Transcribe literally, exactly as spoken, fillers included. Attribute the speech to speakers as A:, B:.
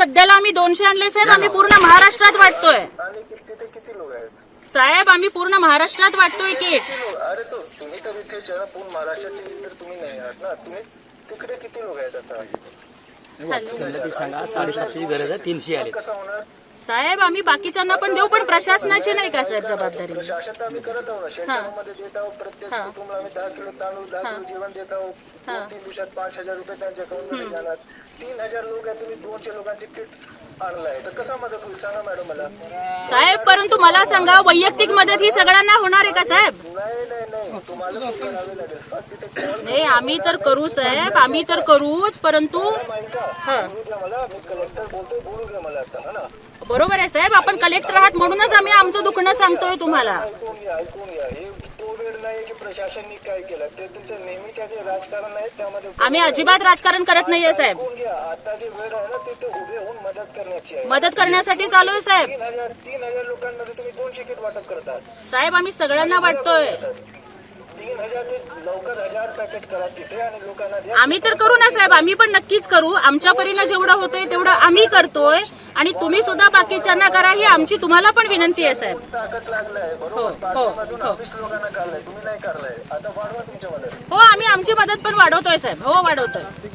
A: सध्याला आम्ही दोनशे आणले साहेब, आम्ही पूर्ण महाराष्ट्रात वाटतोय
B: आणि किती ते किती लोक आहेत
A: साहेब, आम्ही पूर्ण महाराष्ट्रात वाटतोय किट.
B: किती लोक? अरे तो तुम्ही तर इथे जरा पूर्ण महाराष्ट्राचे तर तुम्ही नाही आहात ना, तुम्ही तिकडे किती लोक आहेत आता?
C: त्यांना ते सांगा साडेसातशेची गरज आहे, तीनशे आले.
B: कसं होणार?
A: साहेब आम्ही बाकीच्यांना पण देऊ, पण प्रशासनाची नाही का साहेब जबाबदारी?
B: प्रशासन तर आम्ही करत आहोत ना, शेतकऱ्यांमध्ये देत आहोत, प्रत्येक
A: हा.
B: कुटुंबाला आम्ही दहा किलो तांदूळ दहा किलो जेवण देत आहोत. दोन तीन दिवसात पाच हजार रुपये त्यांच्या अकाउंट मध्ये जाणार. तीन हजार लोक आहेत, तुम्ही दोनशे लोकांचे किट आणलाय तर कसा मदत होईल सांगा मॅडम मला.
A: साहेब परंतु मला सांगा, वैयक्तिक मदत ही सगळ्यांना होणार आहे का साहेब?
B: नाही नाही नाही तुम्हाला खूप करावे लागेल. फक्त तिथे call
A: नाही आम्ही तर करू साहेब, आम्ही तर करूच, परंतु
B: मॅडम ऐका, बोलू द्या मला, मी कलेक्टर बोलतोय, बोलू द्या मला आता. हा ना,
A: बरोबर आहे साहेब, आपण कलेक्टर आहात म्हणूनच आम्ही आमचं दुखणं सांगतोय तुम्हाला.
B: ऐकून घ्या ऐकून घ्या. हे तो वेळ नाही की प्रशासनाने काय केलं, ते तुमचं नेहमीच्या जे राजकारण आहे त्यामध्ये
A: आम्ही अजिबात राजकारण करत नाहीये साहेब,
B: ऐकून घ्या. आता जे वेळ आहे ना, ते ते उभे होऊन मदत करण्याची आहे.
A: मदत करण्यासाठी चालू आहे साहेब.
B: तीन हजार तीन हजार लोकांमध्ये तुम्ही दोनशे किट वाटप करतात.
A: साहेब आम्ही सगळ्यांना वाटतोय.
B: तीन हजार ते लवकर हजार पॅकेट करा तिथे आणि लोकांना द्या.
A: आम्ही तर करू ना साहेब, आम्ही पण नक्कीच करू. आमच्या परीनं जेवढं होतंय तेवढं आम्ही करतोय, आणि तुम्ही सुद्धा बाकीच्यांना करा, ही आमची तुम्हाला पण विनंती आहे साहेब.
B: ताकद लागलाय
A: हो,
B: बरोबर.
A: हो,
B: पाठीमधून
A: हो.
B: वीस लोकांना काढलाय, तुम्ही नाही काढलाय. आता वाढवा तुमच्या मदत.
A: हो आम्ही आमची मदत पण वाढवतोय साहेब, हो वाढवतोय.